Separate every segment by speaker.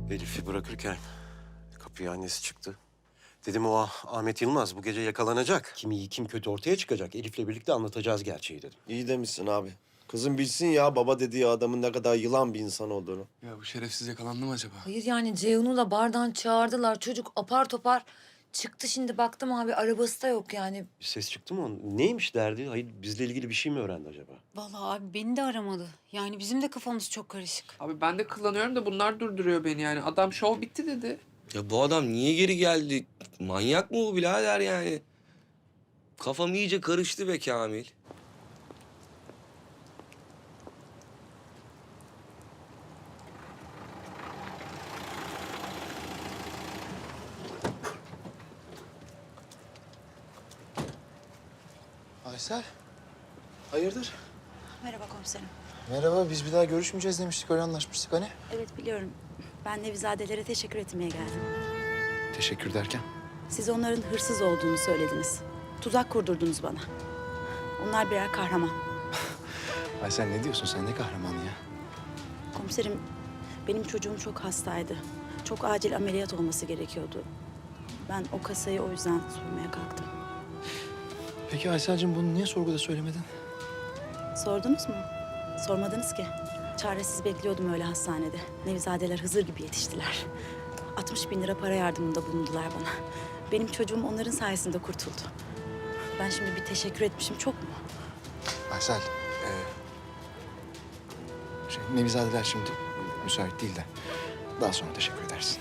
Speaker 1: Elif'i bırakırken kapıya annesi çıktı. Dedim o Ahmet Yılmaz bu gece yakalanacak. Kim iyi kim kötü ortaya çıkacak. Elif'le birlikte anlatacağız gerçeği dedim.
Speaker 2: İyi demişsin abi. Kızım bilsin ya baba dediği adamın ne kadar yılan bir insan olduğunu.
Speaker 3: Ya bu şerefsiz yakalandı mı acaba?
Speaker 4: Hayır yani Ceyhun'u da bardan çağırdılar. Çocuk apar topar çıktı, şimdi baktım abi arabası da yok yani.
Speaker 1: Bir ses çıktı mı onun? Neymiş derdi? Hayır bizle ilgili bir şey mi öğrendi acaba?
Speaker 5: Vallahi abi beni de aramadı. Yani bizim de kafamız çok karışık.
Speaker 3: Abi ben de kullanıyorum da bunlar durduruyor beni yani. Adam şov bitti dedi.
Speaker 6: Ya bu adam niye geri geldi? Manyak mı bu birader yani? Kafam iyice karıştı be Kamil.
Speaker 7: Aysel, hayırdır?
Speaker 8: Merhaba komiserim.
Speaker 7: Merhaba, biz bir daha görüşmeyeceğiz demiştik, öyle anlaşmıştık hani.
Speaker 8: Evet biliyorum. Ben Nevizadelere teşekkür etmeye geldim.
Speaker 7: Teşekkür derken?
Speaker 8: Siz onların hırsız olduğunu söylediniz. Tuzak kurdurdunuz bana. Onlar birer kahraman.
Speaker 7: Aysel ne diyorsun sen, ne kahramanı ya?
Speaker 8: Komiserim, benim çocuğum çok hastaydı. Çok acil ameliyat olması gerekiyordu. Ben o kasayı o yüzden sormaya kalktım.
Speaker 7: Peki Aysel'cim bunu niye sorguda söylemedin?
Speaker 8: Sordunuz mu? Sormadınız ki. Çaresiz bekliyordum öyle hastanede. Nevizadeler Hızır gibi yetiştiler. 60.000 lira para yardımında bulundular bana. Benim çocuğum onların sayesinde kurtuldu. Ben şimdi bir teşekkür etmişim çok mu?
Speaker 7: Aysel, Nevizadeler şimdi müsait değil de daha sonra teşekkür edersin.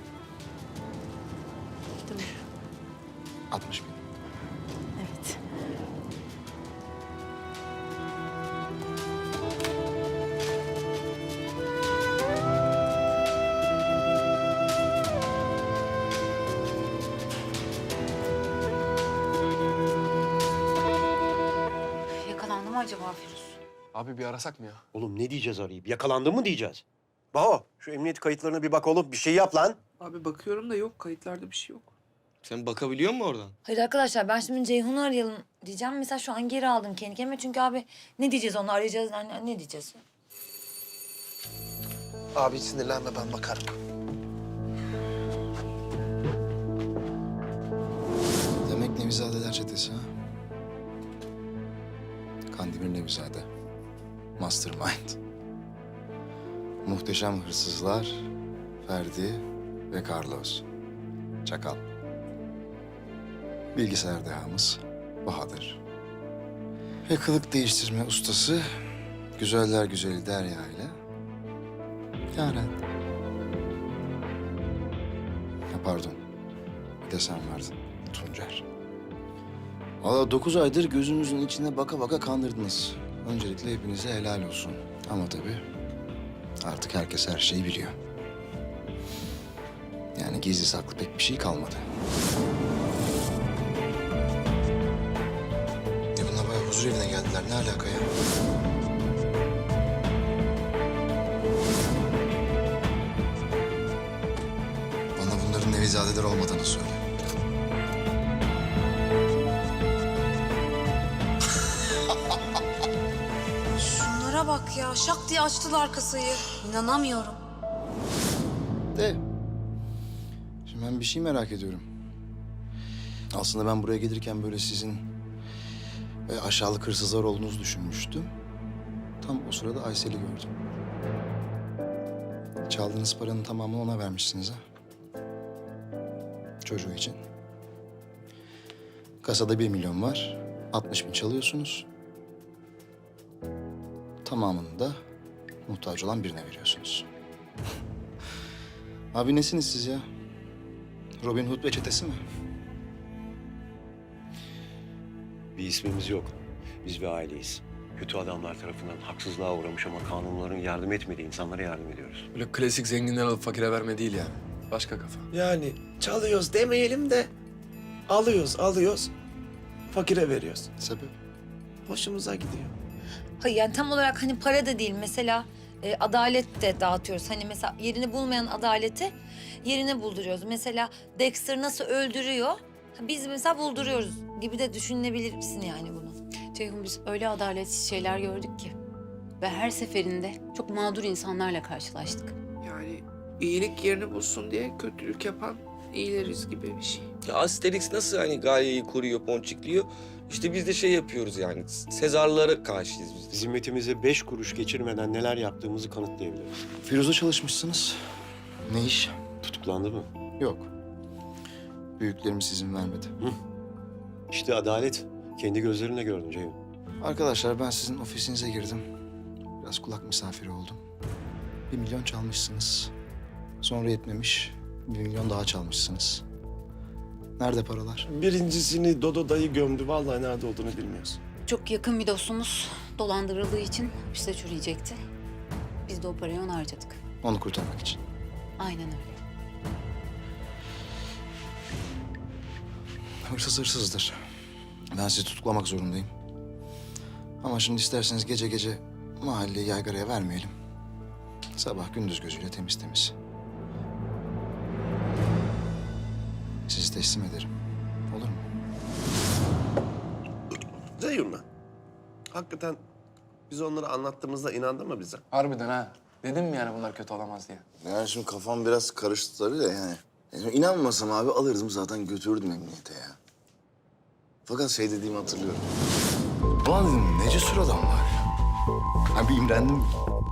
Speaker 8: Tamam.
Speaker 7: 60.000.
Speaker 8: Evet.
Speaker 5: Yakalandı mı acaba Firuz?
Speaker 3: Abi bir arasak mı ya?
Speaker 1: Oğlum ne diyeceğiz arayıp? Yakalandı mı diyeceğiz? Baho şu emniyet kayıtlarına bir bak oğlum. Bir şey yap lan.
Speaker 3: Abi bakıyorum da yok. Kayıtlarda bir şey yok.
Speaker 6: Sen bakabiliyor musun oradan?
Speaker 4: Hayır arkadaşlar, ben şimdi Ceyhun'u arayalım diyeceğim. Mesela şu an geri aldım kendi kendime. Çünkü abi ne diyeceğiz, onu arayacağız. Ne diyeceğiz?
Speaker 7: Abi sinirlenme, ben bakarım. Demek Nevizadeler çetesi ha? Kandemir Nevizade. Mastermind. Muhteşem hırsızlar, Ferdi ve Carlos. Çakal. Bilgisayar dehamız Bahadır. Ve kılık değiştirme ustası güzeller güzeli Derya ile Yaren. Ya pardon, bir de sen vardın Tuncer. Valla 9 aydır gözümüzün içine baka baka kandırdınız. Öncelikle hepinize helal olsun. Ama tabii artık herkes her şeyi biliyor. Yani gizli saklı pek bir şey kalmadı. Bunlar bayağı huzur evine geldiler. Ne alaka ya? Bana bunların Nevizadeler olmadığını söyle.
Speaker 5: Şunlara bak ya. Şak diye açtılar kasayı. İnanamıyorum.
Speaker 7: De. Şimdi ben bir şey merak ediyorum. Aslında ben buraya gelirken böyle sizin aşağılık hırsızlar olduğunuzu düşünmüştüm. Tam o sırada Aysel'i gördüm. Çaldığınız paranın tamamını ona vermişsiniz ha. Çocuğu için. Kasada 1 milyon var. 60.000 çalıyorsunuz. Tamamını da muhtaç olan birine veriyorsunuz. Abi nesiniz siz ya? Robin Hood ve çetesi mi?
Speaker 1: Bir ismimiz yok. Biz bir aileyiz. Kötü adamlar tarafından haksızlığa uğramış ama kanunların yardım etmediği insanlara yardım ediyoruz.
Speaker 3: Böyle klasik zenginden alıp fakire verme değil yani. Başka kafa.
Speaker 2: Yani çalıyoruz demeyelim de alıyoruz, fakire veriyoruz.
Speaker 7: Sebep?
Speaker 2: Hoşumuza gidiyor.
Speaker 4: Hayır yani tam olarak hani para da değil. Mesela adalet de dağıtıyoruz. Hani mesela yerini bulmayan adaleti yerine bulduruyoruz. Mesela Dexter nasıl öldürüyor? Biz mesela bulduruyoruz gibi de düşünebilirsin yani bunu.
Speaker 5: Ceyhun, biz öyle adaletsiz şeyler gördük ki. Ve her seferinde çok mağdur insanlarla karşılaştık.
Speaker 3: Yani iyilik yerini bulsun diye kötülük yapan iyileriz gibi bir şey.
Speaker 6: Ya Asterix nasıl hani Galya'yı koruyor, ponçikliyor? İşte biz de şey yapıyoruz yani. Sezarlara karşıyız biz de.
Speaker 1: Zimmetimize 5 kuruş geçirmeden neler yaptığımızı kanıtlayabiliriz.
Speaker 7: Firuz'a çalışmışsınız. Ne iş?
Speaker 1: Tutuklandı mı?
Speaker 7: Yok. Büyüklerimiz izin vermedi.
Speaker 1: İşte adalet. Kendi gözlerimle gördüm Ceyhun.
Speaker 7: Arkadaşlar ben sizin ofisinize girdim. Biraz kulak misafiri oldum. 1 milyon çalmışsınız. Sonra yetmemiş. 1 milyon daha çalmışsınız. Nerede paralar?
Speaker 2: Birincisini Dodo dayı gömdü. Vallahi nerede olduğunu bilmiyoruz.
Speaker 9: Çok yakın bir dostumuz dolandırıldığı için hapiste çürüyecekti. Biz de o parayı ona harcadık.
Speaker 7: Onu kurtarmak için.
Speaker 9: Aynen öyle.
Speaker 7: Hırsız hırsızdır. Ben sizi tutuklamak zorundayım. Ama şimdi isterseniz gece gece mahalleyi yaygaraya vermeyelim. Sabah gündüz gözüyle temiz temiz. Sizi teslim ederim. Olur mu?
Speaker 2: Ceyhun mu? Hakikaten biz onları anlattığımızda inandı mı bize?
Speaker 10: Harbiden ha. Dedim mi yani bunlar kötü olamaz diye.
Speaker 7: Yani şimdi kafam biraz karıştı tabii de yani. İnanmasam abi alırdım zaten götürürdüm emniyete ya. Fakat şey dediğimi hatırlıyorum. Ulan dedim ne cesur adam var ya. Ha bir imrendim.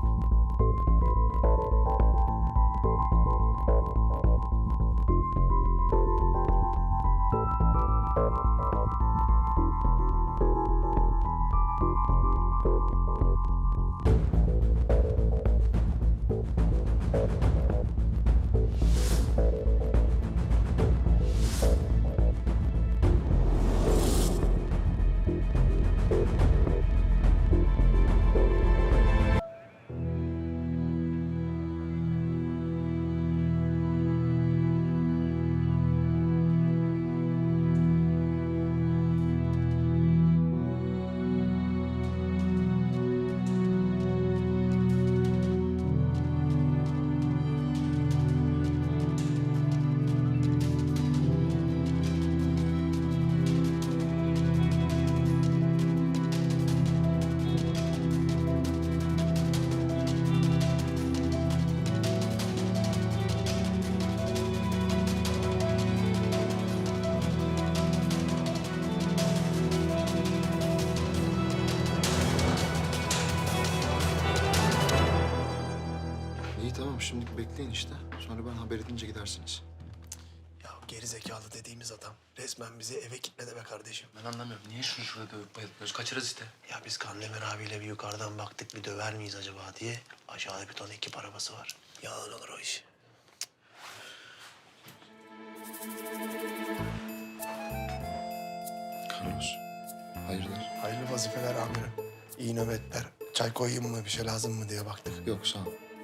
Speaker 7: İyi tamam şimdilik bekleyin işte. Sonra ben haber edince gidersiniz.
Speaker 2: Ya geri zekalı dediğimiz adam resmen bizi eve kitledi be kardeşim.
Speaker 10: Ben anlamıyorum. Niye şunu şurada dövüp bayıltmıyoruz? Kaçırırız işte.
Speaker 2: Ya biz Kandemir abiyle bir yukarıdan baktık bir döver miyiz acaba diye. Aşağıda bir ton ekip arabası var. Yalan olur o iş.
Speaker 7: Carlos, hayırdır?
Speaker 2: Hayırlı vazifeler amirim. İyi nöbetler. Çay koyayım mı bir şey lazım mı diye baktık.
Speaker 7: Yok sağ ol.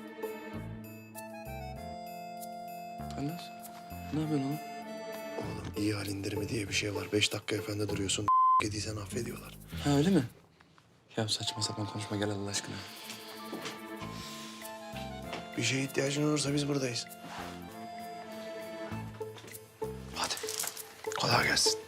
Speaker 10: Carlos, ne yapıyorsun oğlum?
Speaker 2: Oğlum iyi hal indirimi diye bir şey var. 5 dakika efendi duruyorsun. Yediysen affediyorlar.
Speaker 10: Ha öyle mi? Ya saçma sapan konuşma gel Allah aşkına.
Speaker 2: Bir şeye ihtiyacın olursa biz buradayız. Hadi. Kolay gelsin.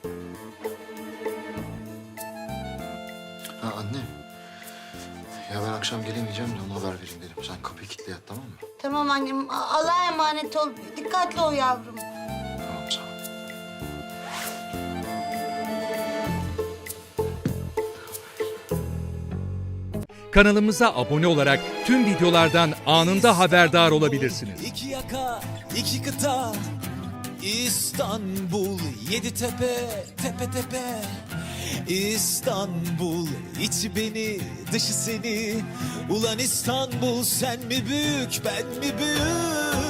Speaker 7: Ha anne. Ya ben akşam gelemeyeceğim de ona haber vereyim dedim. Sen kapıyı kilitle yat tamam mı?
Speaker 11: Tamam annem. Allah'a emanet ol. Dikkatli ol yavrum.
Speaker 7: Tamam sağ ol.
Speaker 12: Kanalımıza abone olarak tüm videolardan anında haberdar olabilirsiniz.
Speaker 13: İki yaka, iki kıta, İstanbul, 7 tepe, tepe tepe. İstanbul, içi beni, dışı seni. Ulan İstanbul, sen mi büyük, ben mi büyük?